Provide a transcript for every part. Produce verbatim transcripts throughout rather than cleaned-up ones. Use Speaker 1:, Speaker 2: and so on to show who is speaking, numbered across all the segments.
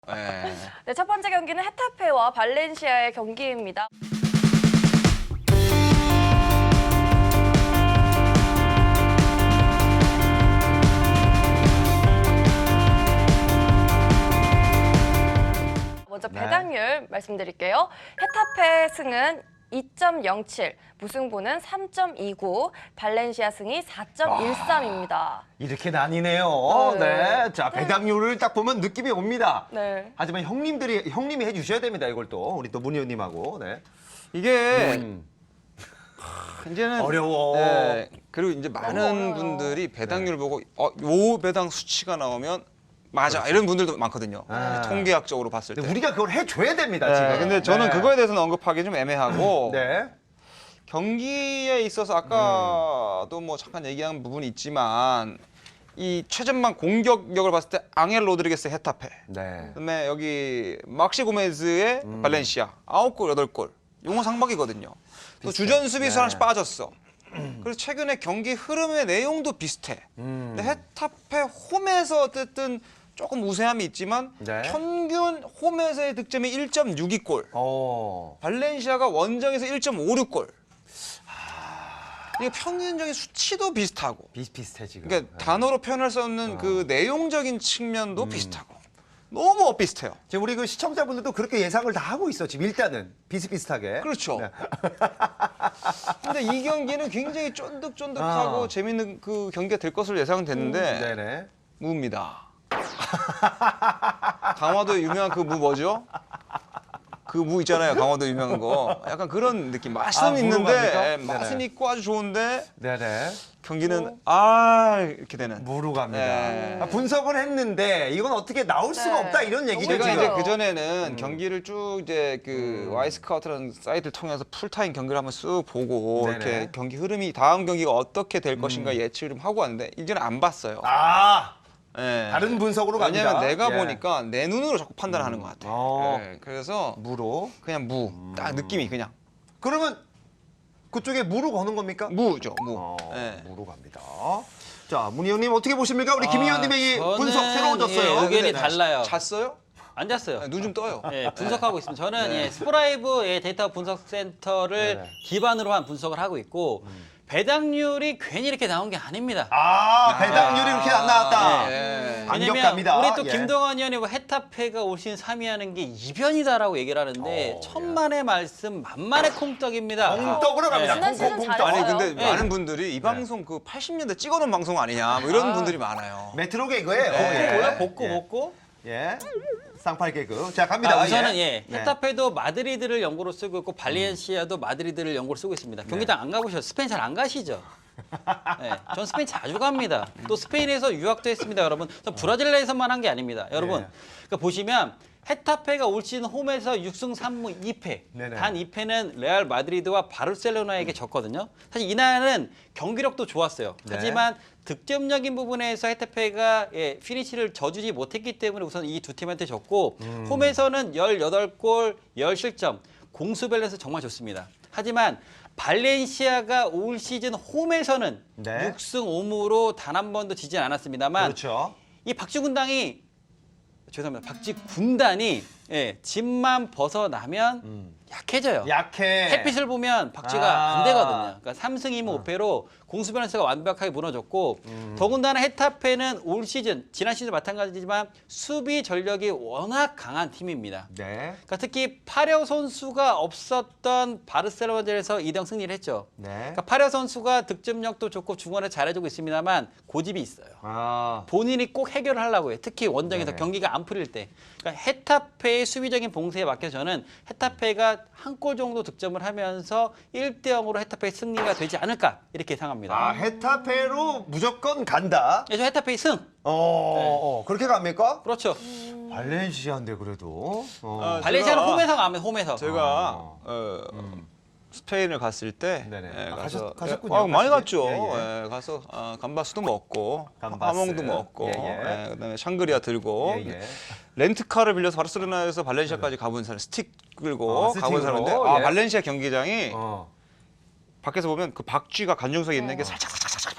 Speaker 1: 네.
Speaker 2: 네, 첫 번째 경기는 헤타페와 발렌시아의 경기입니다. 먼저 배당률 네. 말씀드릴게요. 헤타페 승은 이 점 영칠, 무승부는 삼 점 이구, 발렌시아 승이 사 점 일삼입니다.
Speaker 3: 이렇게 나뉘네요.
Speaker 2: 네.
Speaker 3: 네. 자, 배당률을 딱 보면 느낌이 옵니다.
Speaker 2: 네.
Speaker 3: 하지만 형님들이, 형님이 해주셔야 됩니다. 이걸 또. 우리 또 문 의원님하고. 네.
Speaker 1: 이게
Speaker 3: 음.
Speaker 1: 이제는
Speaker 3: 어려워.
Speaker 1: 네, 그리고 이제 많은
Speaker 2: 어려워요.
Speaker 1: 분들이 배당률 보고 어, 요 배당 수치가 나오면 맞아
Speaker 3: 그렇죠.
Speaker 1: 이런 분들도 많거든요.
Speaker 3: 아.
Speaker 1: 통계학적으로 봤을 때.
Speaker 3: 근데 우리가 그걸 해줘야 됩니다,
Speaker 1: 네,
Speaker 3: 지금.
Speaker 1: 근데 저는
Speaker 3: 네.
Speaker 1: 그거에 대해서는 언급하기 좀 애매하고
Speaker 3: 네.
Speaker 1: 경기에 있어서 아까도 뭐 잠깐 얘기한 부분이 있지만 이 최전방 공격력을 봤을 때 앙헬 로드리게스 헤타페,
Speaker 3: 네.
Speaker 1: 그다음에 여기 막시 고메즈의
Speaker 3: 음.
Speaker 1: 발렌시아 아홉 골 여덟 골 용어 상박이거든요. 또 주전 수비수
Speaker 3: 네.
Speaker 1: 하나씩 빠졌어. 그래서 최근에 경기 흐름의 내용도 비슷해.
Speaker 3: 음.
Speaker 1: 근데 헤타페 홈에서 어쨌든 조금 우세함이 있지만
Speaker 3: 네.
Speaker 1: 평균 홈에서의 득점이 일 점 육이 골.
Speaker 3: 어.
Speaker 1: 발렌시아가 원정에서 일 점 오육 골. 이게 평균적인 수치도 비슷하고.
Speaker 3: 비슷비슷해, 지금.
Speaker 1: 그러니까
Speaker 3: 네.
Speaker 1: 단어로 표현할 수 없는
Speaker 3: 어.
Speaker 1: 그 내용적인
Speaker 3: 음.
Speaker 1: 측면도 비슷하고. 너무 엇비슷해요.
Speaker 3: 지금 우리 그 시청자분들도 그렇게 예상을 다 하고 있어, 지금 일단은. 비슷비슷하게.
Speaker 1: 그렇죠.
Speaker 3: 네.
Speaker 1: 근데 이 경기는 굉장히 쫀득쫀득하고
Speaker 3: 아.
Speaker 1: 재밌는 그 경기가 될 것으로 예상됐는데
Speaker 3: 네네.
Speaker 1: 무입니다. 강화도의 유명한 그 무 뭐죠? 그 무 있잖아요. 강화도 유명한 거. 약간 그런 느낌. 맛은
Speaker 3: 아, 무로
Speaker 1: 있는데
Speaker 3: 갑니까?
Speaker 1: 예, 맛은
Speaker 3: 네네.
Speaker 1: 있고 아주 좋은데
Speaker 3: 네네.
Speaker 1: 경기는 아 이렇게 되는.
Speaker 3: 무로 갑니다.
Speaker 1: 네.
Speaker 3: 아, 분석을 했는데 이건 어떻게 나올 수가
Speaker 2: 네.
Speaker 3: 없다 이런 얘기죠.
Speaker 1: 제가
Speaker 2: 너무
Speaker 1: 이제
Speaker 2: 좋아요.
Speaker 1: 그 전에는
Speaker 3: 음.
Speaker 1: 경기를 쭉 이제 그 와이스카우트라는 사이트를 통해서 풀타임 경기를 한번 쑥 보고
Speaker 3: 네네.
Speaker 1: 이렇게 경기 흐름이 다음 경기가 어떻게 될 것인가 예측을 좀 하고 왔는데 이제는 안 봤어요.
Speaker 3: 아,
Speaker 1: 예.
Speaker 3: 다른 분석으로 갑니다.
Speaker 1: 왜냐면 내가
Speaker 3: 예.
Speaker 1: 보니까 내 눈으로 자꾸 판단하는 것 같아.
Speaker 3: 어.
Speaker 1: 예, 그래서
Speaker 3: 무로.
Speaker 1: 그냥 무, 딱 느낌이 그냥
Speaker 3: 그러면 그쪽에 무로 거는 겁니까?
Speaker 1: 무죠, 무.
Speaker 3: 어,
Speaker 1: 예.
Speaker 3: 무로 갑니다. 자, 문 의원님 어떻게 보십니까? 우리 김 의원님의 이
Speaker 4: 저는,
Speaker 3: 분석 새로워졌어요.
Speaker 4: 예, 의견이
Speaker 1: 근데
Speaker 4: 달라요.
Speaker 1: 잤어요?
Speaker 4: 안 잤어요.
Speaker 1: 눈 좀 떠요.
Speaker 4: 예, 분석하고 있습니다. 저는 예, 스포라이브 예, 데이터 분석 센터를
Speaker 3: 네네.
Speaker 4: 기반으로 한 분석을 하고 있고 배당률이 괜히 이렇게 나온 게 아닙니다.
Speaker 3: 아, 배당률이 이렇게 안 나왔다.
Speaker 1: 예.
Speaker 3: 반격
Speaker 4: 왜냐면
Speaker 3: 갑니다.
Speaker 4: 우리 또
Speaker 3: 예.
Speaker 4: 김동완 의원이 뭐 헤타페가 올 시즌 삼 위 하는 게 이변이다라고 얘기를 하는데
Speaker 3: 어,
Speaker 4: 천만의 말씀 만만의 콩떡입니다.
Speaker 3: 콩떡으로 갑니다.
Speaker 2: 지난 시즌
Speaker 3: 콩콩콩떡.
Speaker 2: 잘했어요.
Speaker 1: 아니 근데
Speaker 4: 예.
Speaker 1: 많은 분들이 이 방송 그 팔십 년대 찍어놓은 방송 아니냐 뭐 이런
Speaker 4: 아.
Speaker 1: 분들이 많아요.
Speaker 3: 메트로 개그예요.
Speaker 1: 네.
Speaker 3: 예.
Speaker 4: 뭐야? 복고
Speaker 3: 예.
Speaker 4: 복고?
Speaker 3: 예. 쌍팔 개그. 자, 갑니다.
Speaker 4: 아, 우선은 예,
Speaker 3: 네.
Speaker 4: 헤타페도 마드리드를 연고로 쓰고 있고 발렌시아도 마드리드를 연고로 쓰고 있습니다. 경기장 안 가보셨어요? 스페인 잘 안 가시죠? 네, 전 스페인 자주 갑니다. 또 스페인에서 유학도 했습니다, 여러분. 전 브라질에서만 한 게 아닙니다, 여러분.
Speaker 3: 네.
Speaker 4: 그러니까 보시면 헤타페가 올 시즌 홈에서 육 승 삼 무 이 패.
Speaker 3: 네네.
Speaker 4: 단 이 패는 레알 마드리드와 바르셀로나에게 졌거든요. 사실 이날은 경기력도 좋았어요.
Speaker 3: 네.
Speaker 4: 하지만 득점적인 부분에서 헤타페가 예, 피니시를 져주지 못했기 때문에 우선 이 두 팀한테 졌고
Speaker 3: 음.
Speaker 4: 홈에서는 열여덟 골, 십 실점. 공수 밸런스 정말 좋습니다. 하지만 발렌시아가 올 시즌 홈에서는
Speaker 3: 네.
Speaker 4: 육 승 오 무로 단 한 번도 지진 않았습니다만
Speaker 3: 그렇죠.
Speaker 4: 이 박쥐 군당이 죄송합니다. 박쥐 군단이 예, 집만 벗어나면
Speaker 3: 음.
Speaker 4: 약해져요.
Speaker 3: 약해.
Speaker 4: 햇빛을 보면 박쥐가
Speaker 3: 아.
Speaker 4: 안 되거든요. 그러니까 삼 승 이 무 오 패로 공수 밸런스가 완벽하게 무너졌고
Speaker 3: 음.
Speaker 4: 더군다나 헤타페는 올 시즌, 지난 시즌 마찬가지지만 수비 전력이 워낙 강한 팀입니다.
Speaker 3: 네.
Speaker 4: 그러니까 특히 파려 선수가 없었던 바르셀로나전에서 이 대 영 승리를 했죠.
Speaker 3: 네.
Speaker 4: 그러니까 파려 선수가 득점력도 좋고 중원에 잘해주고 있습니다만 고집이 있어요.
Speaker 3: 아.
Speaker 4: 본인이 꼭 해결을 하려고 해요. 특히 원정에서
Speaker 3: 네네.
Speaker 4: 경기가 안 풀릴 때. 그러니까 헤타페의 수비적인 봉쇄에 막혀 저는 헤타페가 한 골 정도 득점을 하면서 일 대 영으로 헤타페의 승리가 되지 않을까 이렇게 예상합니다.
Speaker 3: 아, 헤타페로 무조건 간다.
Speaker 4: 예, 저 헤타페의 승.
Speaker 3: 어, 어, 그렇게 갑니까?
Speaker 4: 그렇죠.
Speaker 3: 발렌시아인데 그래도. 어.
Speaker 1: 아,
Speaker 4: 발렌시아는
Speaker 1: 제가-
Speaker 4: 홈에서 가면 홈에서.
Speaker 1: 제가
Speaker 3: 아.
Speaker 1: 어, 스페인을 갔을 때
Speaker 3: 네네.
Speaker 1: 예,
Speaker 3: 아,
Speaker 1: 가서
Speaker 3: 가셨- 가셨군요.
Speaker 1: 아, 많이
Speaker 3: 가시게?
Speaker 1: 갔죠.
Speaker 3: 예,
Speaker 1: 예, 가서 어, 감바스도 먹고
Speaker 3: 감바스.
Speaker 1: 하몽도 먹고
Speaker 3: 예, 예.
Speaker 1: 예, 그다음에 샹그리아 들고
Speaker 3: 예, 예.
Speaker 1: 렌트카를 빌려서 바르셀로나에서 발렌시아까지 가본 사람 스틱 끌고
Speaker 3: 어,
Speaker 1: 가본
Speaker 3: 스틱으로?
Speaker 1: 사람인데 아,
Speaker 3: 예.
Speaker 1: 발렌시아 경기장이
Speaker 3: 어.
Speaker 1: 밖에서 보면 그 박쥐가 관중석에 있는 게
Speaker 2: 어.
Speaker 1: 살짝 살짝 살짝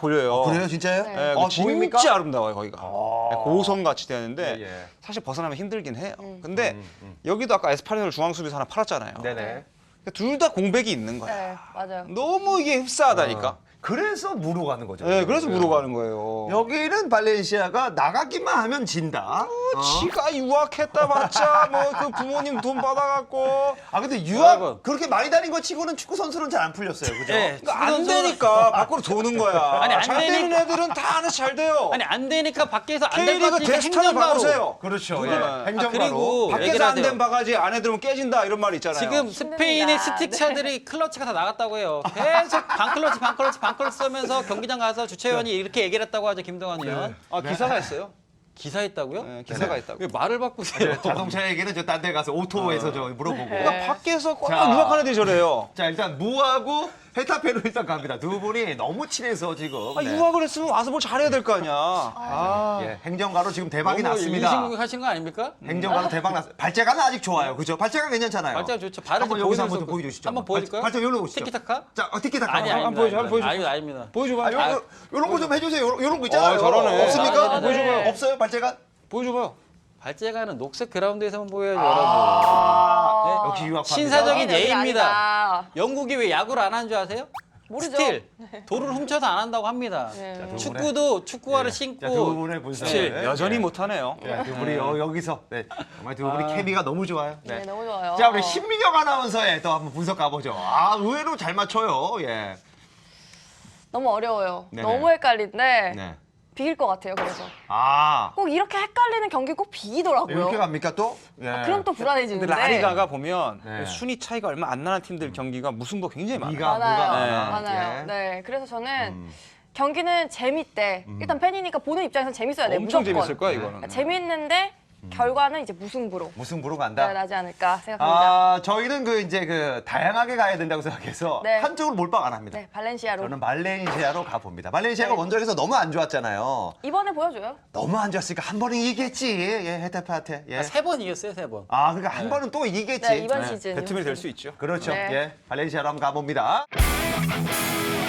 Speaker 1: 보여요.
Speaker 3: 그래요, 진짜요?
Speaker 2: 네.
Speaker 1: 예,
Speaker 3: 어,
Speaker 1: 진짜
Speaker 3: 보입니까?
Speaker 1: 아름다워요 거기가.
Speaker 3: 아.
Speaker 1: 고성 같이 되는데
Speaker 3: 예, 예.
Speaker 1: 사실 벗어나면 힘들긴 해요.
Speaker 2: 음.
Speaker 1: 근데
Speaker 3: 음, 음.
Speaker 1: 여기도 아까 에스파뇰 중앙 수비수 하나 팔았잖아요.
Speaker 3: 네네.
Speaker 1: 둘 다 공백이 있는 거야.
Speaker 2: 네, 맞아요.
Speaker 1: 너무 이게 흡사하다니까.
Speaker 3: 어. 그래서 무로 가는 거죠.
Speaker 1: 네, 그래서 무로 가는 거예요.
Speaker 3: 여기는 발렌시아가 나가기만 하면 진다. 어?
Speaker 1: 지가 유학했다 봤자 뭐 그 부모님 돈 받아갖고
Speaker 3: 아 근데 유학
Speaker 4: 여러분.
Speaker 3: 그렇게 많이 다닌 거 치고는 축구 선수는 잘 안 풀렸어요, 그죠?
Speaker 4: 네.
Speaker 1: 그러니까 안 되니까 밖으로 도는 거야.
Speaker 4: 아니, 안
Speaker 1: 잘 되는
Speaker 4: 되니까.
Speaker 1: 애들은 다 하나씩 잘 돼요.
Speaker 4: 아니 안 되니까 밖에서 안 될 것
Speaker 1: K리그
Speaker 4: 같으니까
Speaker 1: 데스타를
Speaker 4: 행정가로.
Speaker 1: 바꾸세요.
Speaker 3: 그렇죠. 예.
Speaker 1: 누구나.
Speaker 3: 행정가로.
Speaker 4: 아, 그리고
Speaker 1: 밖에서
Speaker 4: 얘기를
Speaker 1: 안 된
Speaker 4: 하세요.
Speaker 1: 바가지 안에 들으면 깨진다 이런 말 있잖아요.
Speaker 4: 지금 스페인의
Speaker 2: 힘듭니다.
Speaker 4: 스틱차들이 클러치가 다 나갔다고 해요. 계속 반클러치 반클러치 반클러치 쓰면서 경기장 가서 주최원이 이렇게 얘기를 했다고 하죠. 김동완 의원.
Speaker 1: 아 기사가 있어요.
Speaker 4: 기사했다고요?
Speaker 1: 네, 기사가 있다고.
Speaker 4: 왜 말을 바꾸세요?
Speaker 3: 자동차 얘기는 저 딴 데 가서 오토에서 저 물어보고.
Speaker 1: 그러니까 밖에서 꼭
Speaker 3: 자.
Speaker 1: 유학하는 애들이 저래요.
Speaker 3: 자 일단 무하고 헤타페로 일단 갑니다. 두 분이 너무 친해서 지금.
Speaker 1: 아,
Speaker 3: 네.
Speaker 1: 유학을 했으면 와서 뭘 잘해야 될 거 아니야. 아,
Speaker 3: 예, 행정가로 지금 대박이
Speaker 4: 너무
Speaker 3: 났습니다.
Speaker 4: 인신공격 하신 거 아닙니까?
Speaker 3: 행정가로 대박 났. 발재가는 아직 좋아요, 그죠? 발재가 괜찮잖아요.
Speaker 4: 발자가 좋죠. 발을
Speaker 3: 한번
Speaker 4: 좀
Speaker 3: 여기서
Speaker 4: 보여줄
Speaker 3: 한번
Speaker 4: 수-
Speaker 3: 보여주시죠.
Speaker 4: 한번 보여줄까요?
Speaker 3: 발자 여기로 오시죠.
Speaker 4: 티키타카?
Speaker 3: 자, 어, 티키타카.
Speaker 4: 아니
Speaker 3: 한번
Speaker 4: 아닙니다.
Speaker 1: 보여줘, 한번 보여줘.
Speaker 4: 아닙니다. 아닙니다.
Speaker 1: 보여줘봐.
Speaker 3: 아, 요, 요, 요런 거 좀 해주세요. 요런, 요런 거 있잖아요.
Speaker 1: 아, 잘하네.
Speaker 3: 없습니까?
Speaker 4: 아, 네, 네.
Speaker 3: 보여줘봐요. 없어요, 발재가?
Speaker 1: 보여줘봐요.
Speaker 4: 발제가는 녹색 그라운드에서만 보여야죠,
Speaker 3: 아,
Speaker 4: 여러분.
Speaker 3: 역시 유학파입니다.
Speaker 4: 신사적인
Speaker 2: 여기는
Speaker 4: 예입니다.
Speaker 2: 아니다.
Speaker 4: 영국이 왜 야구를 안 하는 줄 아세요?
Speaker 2: 모르죠.
Speaker 4: 스틸. 도루를 훔쳐서 안 한다고 합니다.
Speaker 2: 네.
Speaker 3: 자, 두
Speaker 4: 축구도 축구화를
Speaker 3: 자, 두
Speaker 4: 신고
Speaker 3: 분의 분석.
Speaker 1: 사실
Speaker 3: 네.
Speaker 1: 여전히
Speaker 3: 네.
Speaker 1: 못하네요.
Speaker 3: 네, 두 분이 여, 여기서 네, 정말 두 분이
Speaker 1: 아.
Speaker 3: 케미가 너무 좋아요.
Speaker 2: 네,
Speaker 3: 네.
Speaker 2: 너무 좋아요.
Speaker 3: 자, 우리 신민영 아나운서의 또 한번 분석 가보죠. 아, 의외로 잘 맞춰요. 예.
Speaker 2: 너무 어려워요.
Speaker 3: 네네.
Speaker 2: 너무 헷갈린데
Speaker 3: 네.
Speaker 2: 비길 것 같아요. 그래서
Speaker 3: 아,
Speaker 2: 꼭 이렇게 헷갈리는 경기 꼭 비기더라고요.
Speaker 3: 이렇게 갑니까 또? 예.
Speaker 2: 아, 그럼 또
Speaker 1: 근데
Speaker 2: 불안해지는데.
Speaker 1: 라리가가 보면
Speaker 3: 네.
Speaker 1: 순위 차이가 얼마 안 나는 팀들 경기가 무승부 굉장히 많아요.
Speaker 3: 이가
Speaker 2: 많아요.
Speaker 3: 뭐가
Speaker 1: 네.
Speaker 3: 많아.
Speaker 2: 많아요.
Speaker 3: 예.
Speaker 2: 네, 그래서 저는
Speaker 3: 음.
Speaker 2: 경기는 재밌대. 일단 팬이니까 보는 입장에서는 재밌어야 돼.
Speaker 1: 엄청
Speaker 2: 무조건.
Speaker 1: 재밌을 거야 이거는.
Speaker 2: 그러니까 재밌는데 결과는 이제 무승부로
Speaker 3: 무승부로 간다.
Speaker 2: 나지 않을까 생각합니다.
Speaker 3: 아, 저희는 그 이제 그 다양하게 가야 된다고 생각해서
Speaker 2: 네.
Speaker 3: 한쪽으로 몰빵 안 합니다.
Speaker 2: 네, 발렌시아로.
Speaker 3: 저는 발렌시아로 가봅니다. 발렌시아가
Speaker 2: 네.
Speaker 3: 원정에서 너무 안 좋았잖아요.
Speaker 2: 이번에 보여줘요.
Speaker 3: 너무 안 좋았으니까 한 번은 이기겠지. 예, 헤타페한테. 예.
Speaker 4: 세 번 이겼어요, 세 번.
Speaker 3: 아, 그러니까 한 번은 또 이기겠지.
Speaker 2: 네, 이번
Speaker 1: 네,
Speaker 2: 시즌.
Speaker 1: 배트맨이 될 수 있죠.
Speaker 3: 그렇죠.
Speaker 2: 네.
Speaker 3: 예, 발렌시아로 한번 가봅니다.